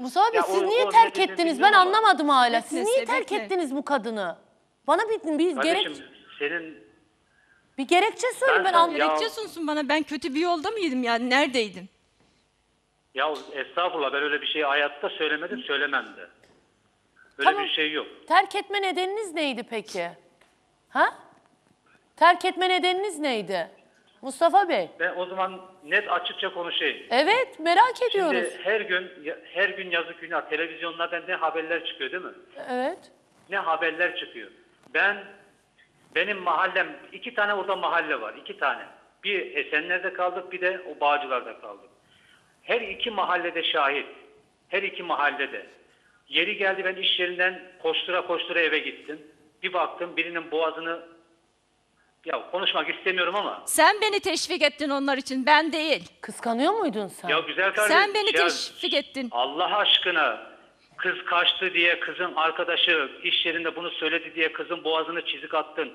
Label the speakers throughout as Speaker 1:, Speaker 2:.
Speaker 1: Musa abi
Speaker 2: Ya
Speaker 1: siz
Speaker 2: o-
Speaker 1: niye
Speaker 2: o
Speaker 1: terk
Speaker 2: nedenini
Speaker 1: ettiniz? Ben
Speaker 2: bilmiyorum ama.
Speaker 1: anlamadım hala. Siz
Speaker 3: Bekle,
Speaker 1: niye terk
Speaker 3: bekle.
Speaker 1: ettiniz bu kadını? Bana bir
Speaker 2: Kardeşim
Speaker 1: gerek
Speaker 2: senin
Speaker 1: bir gerekçe söyleyin ben
Speaker 2: sana-
Speaker 1: anlayayım.
Speaker 2: Ya-
Speaker 3: Gerekçe sunsun bana. Ben kötü bir yolda mıydım yani? Neredeydim?
Speaker 2: ya estağfurullah, ben öyle bir şeyi hayatta söylemedim, söylemem de. Böyle
Speaker 1: Tamam.
Speaker 2: bir şey yok.
Speaker 1: Terk etme nedeniniz neydi peki? Ha? Terk etme nedeniniz neydi? Mustafa Bey.
Speaker 2: Ben o zaman net açıkça konuşayım.
Speaker 1: Evet, merak ediyoruz.
Speaker 2: Şimdi her gün yazık günah televizyonlardan ne haberler çıkıyor değil mi?
Speaker 1: Evet.
Speaker 2: Ne haberler çıkıyor. Benim mahallem, 2 tane orada mahalle var, 2 tane. Bir Esenler'de kaldık, bir de o Bağcılar'da kaldık. Her iki mahallede şahit. Her iki mahallede. Yeri geldi, ben iş yerinden koştura koştura eve gittim. Bir baktım birinin boğazını, ya konuşmak istemiyorum ama.
Speaker 3: Sen beni teşvik ettin onlar için. Ben değil.
Speaker 1: Kıskanıyor muydun sen?
Speaker 2: Ya güzel kardeşim.
Speaker 3: Sen beni teşvik ettin.
Speaker 2: Allah aşkına, kız kaçtı diye kızın arkadaşı iş yerinde bunu söyledi diye kızın boğazını çizik attın.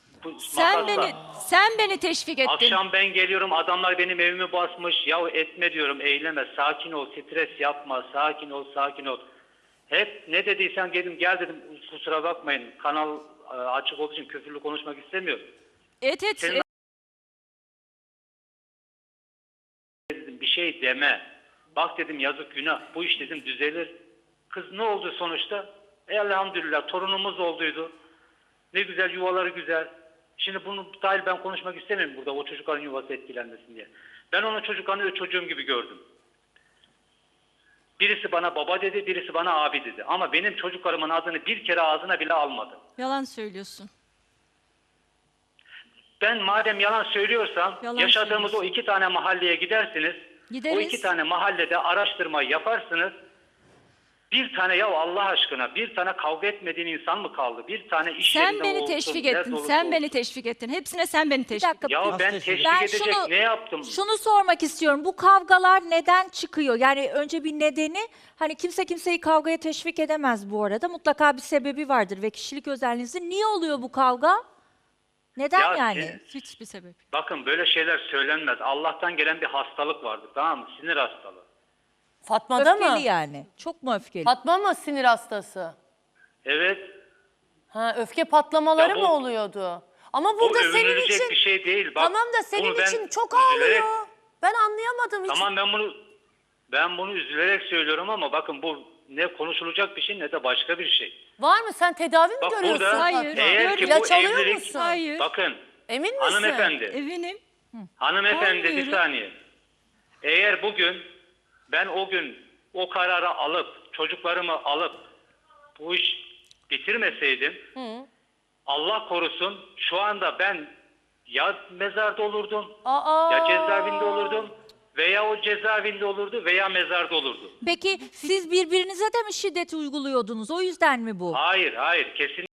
Speaker 3: Sen beni teşvik ettin.
Speaker 2: Akşam ben geliyorum, adamlar benim evimi basmış. Ya etme diyorum, eyleme, sakin ol, stres yapma, sakin ol, sakin ol. Hep ne dediysen gel dedim, kusura bakmayın, kanal açık olduğu için küfürlü konuşmak istemiyorum. Senin dedim, bir şey deme. Bak dedim, yazık günah, bu iş dedim düzelir. Kız ne oldu sonuçta? Elhamdülillah torunumuz olduydu. Ne güzel, yuvaları güzel. Şimdi bunu dahil ben konuşmak istemiyorum burada, o çocukların yuvası etkilenmesin diye. Ben onun çocuklarını çocuğum gibi gördüm. Birisi bana baba dedi, birisi bana abi dedi. Ama benim çocuklarımın adını bir kere ağzına bile almadı.
Speaker 3: Yalan söylüyorsun.
Speaker 2: Ben madem yalan söylüyorsam,
Speaker 3: Yalan
Speaker 2: yaşadığımız
Speaker 3: söylüyorsun.
Speaker 2: o 2 tane mahalleye gidersiniz.
Speaker 3: Gideriz.
Speaker 2: O 2 tane mahallede araştırma yaparsınız. Bir tane, ya Allah aşkına, bir tane kavga etmediğin insan mı kaldı? Bir tane iş
Speaker 3: Sen
Speaker 2: yerinde
Speaker 3: beni
Speaker 2: olsun,
Speaker 3: teşvik
Speaker 2: nerede
Speaker 3: ettin.
Speaker 2: olursa
Speaker 3: Sen
Speaker 2: olsun.
Speaker 3: beni teşvik ettin. Hepsine sen beni
Speaker 4: Bir
Speaker 3: teşvik ettin.
Speaker 4: dakika.
Speaker 2: Ya ben
Speaker 5: teşvik
Speaker 2: teşvik
Speaker 4: Ben
Speaker 2: edecek ne yaptım?
Speaker 4: şunu sormak istiyorum. Bu kavgalar neden çıkıyor? Yani önce bir nedeni, hani kimse kimseyi kavgaya teşvik edemez bu arada. Mutlaka bir sebebi vardır ve kişilik özelliğinizin. Niye oluyor bu kavga? Neden
Speaker 2: Ya
Speaker 4: yani?
Speaker 3: Hiçbir sebep yok.
Speaker 2: Bakın, böyle şeyler söylenmez. Allah'tan gelen bir hastalık vardı, tamam mı? Sinir hastalığı.
Speaker 1: Fatma'da mı?
Speaker 4: Öfkeli yani. Çok mu öfkeli?
Speaker 1: Fatma mı sinir hastası?
Speaker 2: Evet.
Speaker 1: Ha, öfke patlamaları
Speaker 2: Ya bu-
Speaker 1: mı oluyordu? Ama
Speaker 2: Bu
Speaker 1: burada senin
Speaker 2: övünülecek
Speaker 1: için
Speaker 2: bir şey değil. Bak,
Speaker 1: tamam da senin
Speaker 2: bunu ben
Speaker 1: için çok
Speaker 2: üzülerek-
Speaker 1: ağlıyor. Ben anlayamadım hiç.
Speaker 2: Tamam, ben bunu üzülerek söylüyorum ama bakın, bu ne konuşulacak bir şey ne de başka bir şey.
Speaker 1: Var mı? Sen tedavi mi
Speaker 2: Bak
Speaker 1: görüyorsun?
Speaker 2: burada,
Speaker 3: Hayır.
Speaker 2: eğer ki
Speaker 1: İlaç
Speaker 2: bu
Speaker 1: alıyor
Speaker 2: evlilik,
Speaker 1: musun?
Speaker 3: Hayır.
Speaker 2: bakın
Speaker 1: Emin misin?
Speaker 2: hanımefendi,
Speaker 3: Eminim.
Speaker 2: hanımefendi bir
Speaker 3: Almıyorum.
Speaker 2: saniye. Eğer bugün ben o gün o kararı alıp çocuklarımı alıp bu iş bitirmeseydim, Allah korusun, şu anda ben ya mezarda olurdum,
Speaker 1: Aa.
Speaker 2: ya cezaevinde olurdum, veya o cezaevinde olurdu veya mezarda olurdu.
Speaker 4: Peki siz birbirinize de mi şiddet uyguluyordunuz? O yüzden mi bu?
Speaker 2: Hayır, kesin.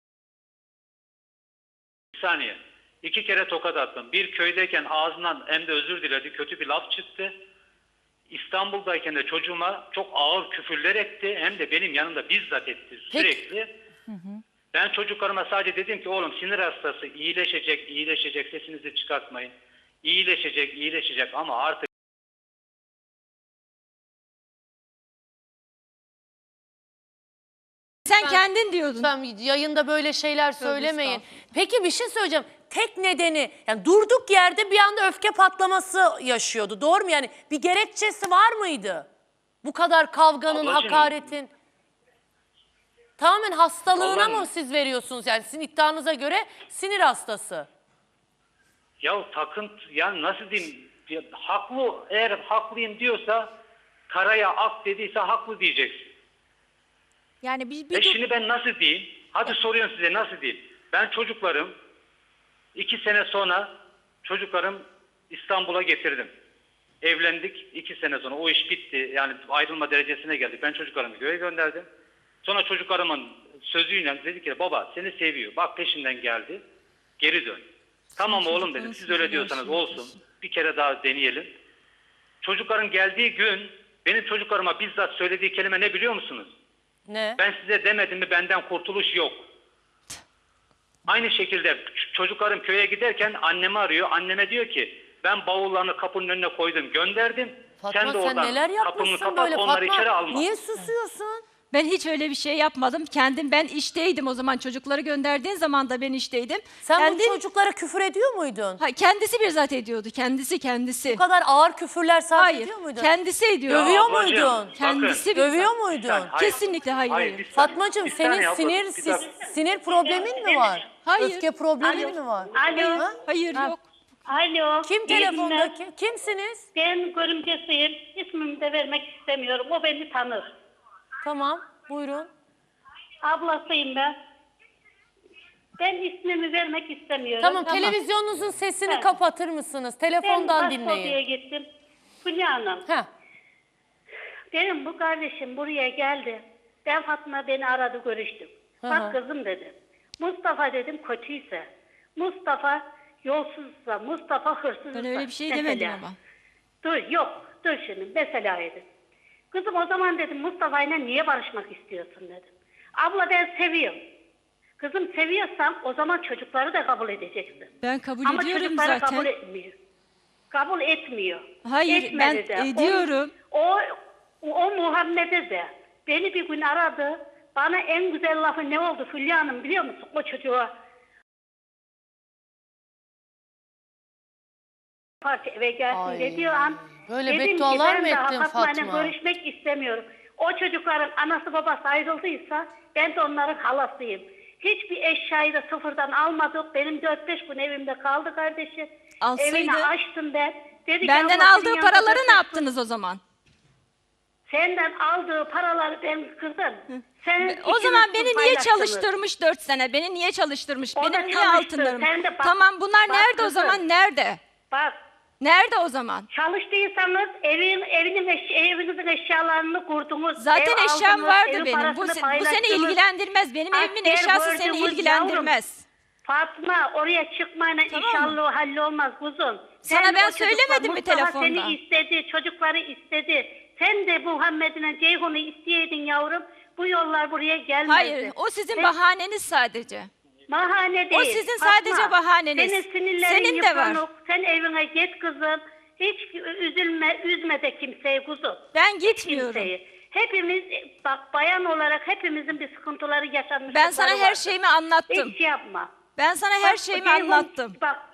Speaker 2: Bir saniye. 2 kere tokat attım. Bir, köydeyken ağzından hem de özür diledi, kötü bir laf çıktı. İstanbul'dayken de çocuğuma çok ağır küfürler etti. Hem de benim yanımda bizzat etti sürekli. Ben çocuklarıma sadece dedim ki, oğlum sinir hastası, iyileşecek, sesinizi çıkartmayın. İyileşecek ama artık
Speaker 3: Sen kendin diyordun.
Speaker 1: Lütfen yayında böyle şeyler söylemeyin. Peki bir şey söyleyeceğim. Tek nedeni, yani durduk yerde bir anda öfke patlaması yaşıyordu. Doğru mu? Yani bir gerekçesi var mıydı? Bu kadar kavganın,
Speaker 2: Ablacığım.
Speaker 1: hakaretin. Tamamen hastalığına
Speaker 2: Vallahi-
Speaker 1: mı siz veriyorsunuz? Yani sizin iddianıza göre sinir hastası.
Speaker 2: ya takıntı, yani nasıl diyeyim, ya, haklı, eğer haklıyım diyorsa, karaya ak dediyse haklı diyeceksin.
Speaker 4: Yani bir
Speaker 2: Şimdi ben nasıl diyeyim? Hadi soruyorum size, nasıl diyeyim? Ben çocuklarım 2 sene sonra çocuklarım İstanbul'a getirdim. Evlendik 2 sene sonra. O iş bitti. Yani ayrılma derecesine geldik. Ben çocuklarımı köye gönderdim. Sonra çocuklarımın sözüyle dedi ki, baba seni seviyor. Bak peşinden geldi. Geri dön. Tamam oğlum dedim. Siz öyle diyorsanız olsun. Bir kere daha deneyelim. Çocukların geldiği gün benim çocuklarıma bizzat söylediği kelime ne biliyor musunuz?
Speaker 1: Ne?
Speaker 2: Ben size demedim mi benden kurtuluş yok. Aynı şekilde çocuklarım köye giderken annemi arıyor. Anneme diyor ki, ben bavullarını kapının önüne koydum, gönderdim.
Speaker 1: Fatma
Speaker 2: Sen de
Speaker 1: sen
Speaker 2: oradan
Speaker 1: neler
Speaker 2: kapını
Speaker 1: yapmışsın
Speaker 2: kapat,
Speaker 1: böyle
Speaker 2: onları içeri
Speaker 1: Fatma?
Speaker 2: alma.
Speaker 1: Niye susuyorsun?
Speaker 3: Ben hiç öyle bir şey yapmadım. Ben işteydim o zaman. Çocukları gönderdiğin zaman da ben işteydim.
Speaker 1: Sen bu çocuklara küfür ediyor muydun?
Speaker 3: Kendisi bizzat ediyordu. Kendisi.
Speaker 1: Bu kadar ağır küfürler sarf
Speaker 3: Hayır.
Speaker 1: ediyor muydun?
Speaker 3: Kendisi ediyor.
Speaker 1: Dövüyor
Speaker 2: ablacığım,
Speaker 1: muydun?
Speaker 2: bakın.
Speaker 3: Kendisi
Speaker 1: Dövüyor
Speaker 3: bizzat.
Speaker 1: muydun?
Speaker 2: Hayır.
Speaker 3: Kesinlikle hayır.
Speaker 2: bir saniye.
Speaker 1: Fatmacığım
Speaker 2: Bir
Speaker 1: senin
Speaker 2: saniye abla, bir dakika.
Speaker 1: sinir problemin mi var?
Speaker 3: Hayır.
Speaker 1: Öfke problemin mi var?
Speaker 5: Alo.
Speaker 1: Ha?
Speaker 3: Hayır yok.
Speaker 5: Alo.
Speaker 1: Kim
Speaker 5: iyi günler.
Speaker 1: telefondaki? Kimsiniz?
Speaker 5: Ben görümcesiyim. İsmimi de vermek istemiyorum. O beni tanır.
Speaker 1: Tamam buyurun.
Speaker 5: Ablasıyım ben. Ben ismimi vermek istemiyorum.
Speaker 1: Tamam, televizyonunuzun sesini
Speaker 5: Evet.
Speaker 1: kapatır mısınız?
Speaker 5: Ben
Speaker 1: Telefondan
Speaker 5: başvurduya
Speaker 1: dinleyin.
Speaker 5: gittim. Fulya Hanım.
Speaker 1: Heh.
Speaker 5: Benim bu kardeşim buraya geldi. Ben Fatma beni aradı görüştüm.
Speaker 1: Hı
Speaker 5: Bak
Speaker 1: hı.
Speaker 5: kızım dedim. Mustafa dedim kötüyse. Mustafa yolsuzsa. Mustafa hırsızsa.
Speaker 3: Ben öyle bir şey
Speaker 5: mesela.
Speaker 3: demedim ama.
Speaker 5: Dur şimdi mesela dedim. Kızım o zaman dedim Mustafa'yla niye barışmak istiyorsun dedim. Abla ben seviyorum. Kızım seviyorsan o zaman çocukları da kabul edeceksin.
Speaker 3: Ben kabul
Speaker 5: Ama
Speaker 3: ediyorum
Speaker 5: çocukları
Speaker 3: zaten.
Speaker 5: kabul etmiyor. Kabul etmiyor.
Speaker 3: Hayır,
Speaker 5: Etmedi
Speaker 3: ben
Speaker 5: de.
Speaker 3: ediyorum.
Speaker 5: O Muhammed'e de beni bir gün aradı. Bana en güzel lafı ne oldu Fulya Hanım biliyor musun o çocuğa? Parça eve gelsin
Speaker 1: Ay,
Speaker 5: dediği an
Speaker 1: böyle
Speaker 5: dedim ki
Speaker 1: beddualar mı
Speaker 5: ben daha
Speaker 1: ettin
Speaker 5: Fatma'yla
Speaker 1: Fatma?
Speaker 5: görüşmek istemiyorum. O çocukların anası babası ayrıldıysa ben de onların halasıyım. Hiçbir eşyayı da sıfırdan almadık. Benim 4-5 gün evimde kaldı kardeşim.
Speaker 3: Alsaydı-
Speaker 5: Evini açtım ben. Dedi ki,
Speaker 3: Benden
Speaker 5: abla, senin
Speaker 3: aldığı
Speaker 5: yanında
Speaker 3: paraları
Speaker 5: 4-5
Speaker 3: ne yaptınız o zaman?
Speaker 5: Senden aldığı paraları ben kızım. Senin
Speaker 3: O zaman
Speaker 5: ikimiz
Speaker 3: beni niye
Speaker 5: paylaştınız.
Speaker 3: çalıştırmış 4 sene? Beni niye çalıştırmış?
Speaker 5: O da
Speaker 3: Benim niye
Speaker 5: çalıştı.
Speaker 3: altınlarım?
Speaker 5: Sen de bak-
Speaker 3: Tamam bunlar
Speaker 5: bak
Speaker 3: nerede o
Speaker 5: kızım.
Speaker 3: zaman? Nerede?
Speaker 5: Bak
Speaker 3: Nerede o zaman?
Speaker 5: çalıştıysanız evinizin eşyalarını kurdunuz.
Speaker 3: Zaten
Speaker 5: ev
Speaker 3: eşyam
Speaker 5: aldınız,
Speaker 3: vardı
Speaker 5: evin
Speaker 3: benim. Bu
Speaker 5: parasını
Speaker 3: seni
Speaker 5: paylaştınız.
Speaker 3: ilgilendirmez. Benim evimin
Speaker 5: Asker
Speaker 3: eşyası seni
Speaker 5: borcumuz
Speaker 3: ilgilendirmez.
Speaker 5: Fatma oraya çıkmayla
Speaker 3: Tamam
Speaker 5: inşallah hallolmaz kuzum.
Speaker 3: Sana
Speaker 5: Sen
Speaker 3: ben
Speaker 5: o çocukla-
Speaker 3: söylemedim mi
Speaker 5: Mustafa
Speaker 3: telefonda?
Speaker 5: seni istedi, çocukları istedi. Sen de Muhammed'ine Ceyhun'u isteyeydin yavrum. Bu yollar buraya gelmezdi.
Speaker 3: Hayır, o sizin bahaneniz sadece.
Speaker 5: Bahane değil.
Speaker 3: O sizin sadece bahaneniz.
Speaker 5: Senin sinirlerin
Speaker 3: Senin de var.
Speaker 5: yıpranık. Sen evine git kızım. Hiç üzme de kimseyi kuzum.
Speaker 3: Ben gitmiyorum.
Speaker 5: Kimseyi. Hepimiz bak bayan olarak hepimizin bir sıkıntıları yaşanmış.
Speaker 3: Ben sana her şeyimi anlattım.
Speaker 5: Hiç şey yapma.
Speaker 3: Ben sana her
Speaker 5: Bak,
Speaker 3: şeyimi
Speaker 5: Ceyhun,
Speaker 3: anlattım.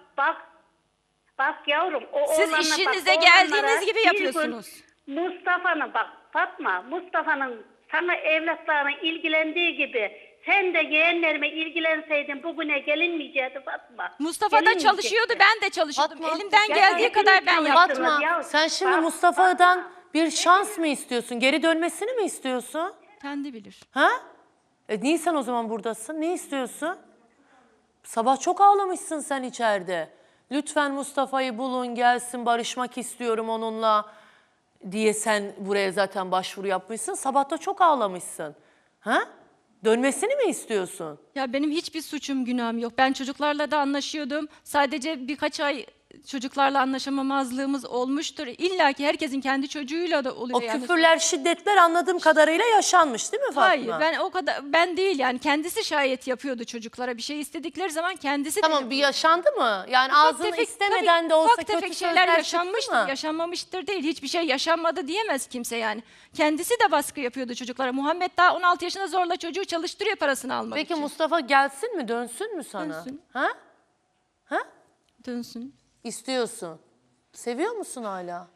Speaker 5: Bak yavrum.
Speaker 3: Siz
Speaker 5: oğlanla
Speaker 3: işinize
Speaker 5: bak,
Speaker 3: geldiğiniz
Speaker 5: oğlanlara
Speaker 3: gibi
Speaker 5: bir gün
Speaker 3: yapıyorsunuz.
Speaker 5: Mustafa'nın bak Fatma, Mustafa'nın sana evlatlarına ilgilendiği gibi sen de yeğenlerime ilgilenseydin bugüne gelinmeyecekti Fatma.
Speaker 3: Mustafa da
Speaker 5: Gelinmeyecekti.
Speaker 3: çalışıyordu, ben de çalışıyordum.
Speaker 1: Fatma,
Speaker 3: Elimden
Speaker 5: ya
Speaker 3: geldiği
Speaker 5: hepimiz
Speaker 3: kadar ben
Speaker 5: çalıştık.
Speaker 3: yaptım.
Speaker 1: Fatma
Speaker 5: Ya,
Speaker 1: sen şimdi
Speaker 5: bak,
Speaker 1: Mustafa'dan bir şans mı istiyorsun? Geri dönmesini mi istiyorsun?
Speaker 3: Kendi bilir.
Speaker 1: Ha? Niye sen o zaman buradasın? Ne istiyorsun? Sabah çok ağlamışsın sen içeride. Lütfen Mustafa'yı bulun gelsin barışmak istiyorum onunla diye sen buraya zaten başvuru yapmışsın. Sabah da çok ağlamışsın. Ha? Dönmesini mi istiyorsun?
Speaker 3: Ya benim hiçbir suçum günahım yok. Ben çocuklarla da anlaşıyordum. Sadece birkaç ay çocuklarla anlaşamamazlığımız olmuştur. İlla ki herkesin kendi çocuğuyla da oluyor.
Speaker 1: O
Speaker 3: yani.
Speaker 1: küfürler, şiddetler anladığım kadarıyla yaşanmış değil mi Fatma?
Speaker 3: Hayır, ben değil yani kendisi şayet yapıyordu çocuklara bir şey istedikleri zaman kendisi de
Speaker 1: Tamam bir
Speaker 3: yapıyordu.
Speaker 1: yaşandı mı? Yani
Speaker 3: Ufak
Speaker 1: ağzını
Speaker 3: tefek-
Speaker 1: istemeden
Speaker 3: tabii,
Speaker 1: de olsa
Speaker 3: ufak
Speaker 1: kötü
Speaker 3: tefek
Speaker 1: sözler
Speaker 3: şeyler
Speaker 1: çıktı
Speaker 3: yaşanmıştır,
Speaker 1: mı?
Speaker 3: yaşanmamıştır değil. Hiçbir şey yaşanmadı diyemez kimse yani. Kendisi de baskı yapıyordu çocuklara. Muhammed daha 16 yaşında zorla çocuğu çalıştırıyor parasını almak
Speaker 1: Peki
Speaker 3: için.
Speaker 1: Mustafa gelsin mi, dönsün mü sana?
Speaker 3: Dönsün.
Speaker 1: Ha? Ha?
Speaker 3: Dönsün.
Speaker 1: İstiyorsun. Seviyor musun hala?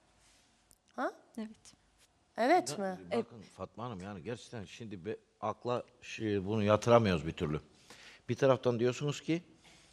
Speaker 1: Ha?
Speaker 3: Evet.
Speaker 1: Evet mi?
Speaker 6: Bakın Fatma Hanım yani gerçekten şimdi akla bunu yatıramıyoruz bir türlü. Bir taraftan diyorsunuz ki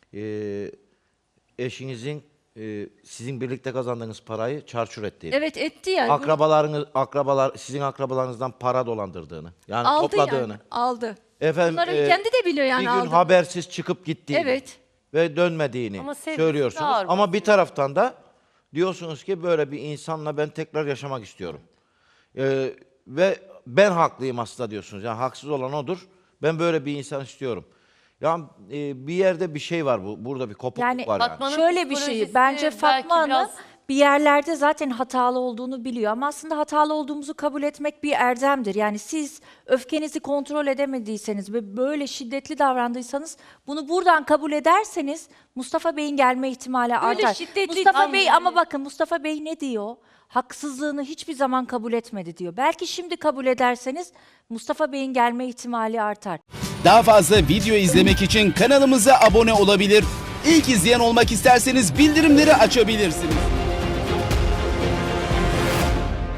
Speaker 6: eşinizin sizin birlikte kazandığınız parayı çarçur ettiğini.
Speaker 3: Evet etti yani.
Speaker 6: Sizin akrabalarınızdan para dolandırdığını. Yani
Speaker 3: Aldı
Speaker 6: topladığını.
Speaker 3: yani. Aldı.
Speaker 6: Efendim,
Speaker 3: Bunları kendi de biliyor yani
Speaker 6: bir gün
Speaker 3: aldı.
Speaker 6: habersiz çıkıp gittiğini.
Speaker 3: Evet.
Speaker 6: Ve dönmediğini
Speaker 1: Ama sevgisi
Speaker 6: söylüyorsunuz.
Speaker 1: ağır
Speaker 6: Ama bir taraftan da diyorsunuz ki böyle bir insanla ben tekrar yaşamak istiyorum. Ve ben haklıyım aslında diyorsunuz. Yani haksız olan odur. Ben böyle bir insan istiyorum. Yani bir yerde bir şey var burada bir kopukluk
Speaker 4: Yani
Speaker 6: var yani.
Speaker 1: Fatma'nın
Speaker 4: şöyle bir şey,
Speaker 1: psikolojisi
Speaker 4: bence
Speaker 1: belki
Speaker 4: Fatma Hanım
Speaker 1: biraz
Speaker 4: bir yerlerde zaten hatalı olduğunu biliyor. Ama aslında hatalı olduğumuzu kabul etmek bir erdemdir. Yani siz öfkenizi kontrol edemediyseniz ve böyle şiddetli davrandıysanız bunu buradan kabul ederseniz Mustafa Bey'in gelme ihtimali artar.
Speaker 3: şiddetli
Speaker 4: Mustafa Bey ama bakın Mustafa Bey ne diyor? Haksızlığını hiçbir zaman kabul etmedi diyor. Belki şimdi kabul ederseniz Mustafa Bey'in gelme ihtimali artar.
Speaker 7: Daha fazla video izlemek için kanalımıza abone olabilir. İlk izleyen olmak isterseniz bildirimleri açabilirsiniz.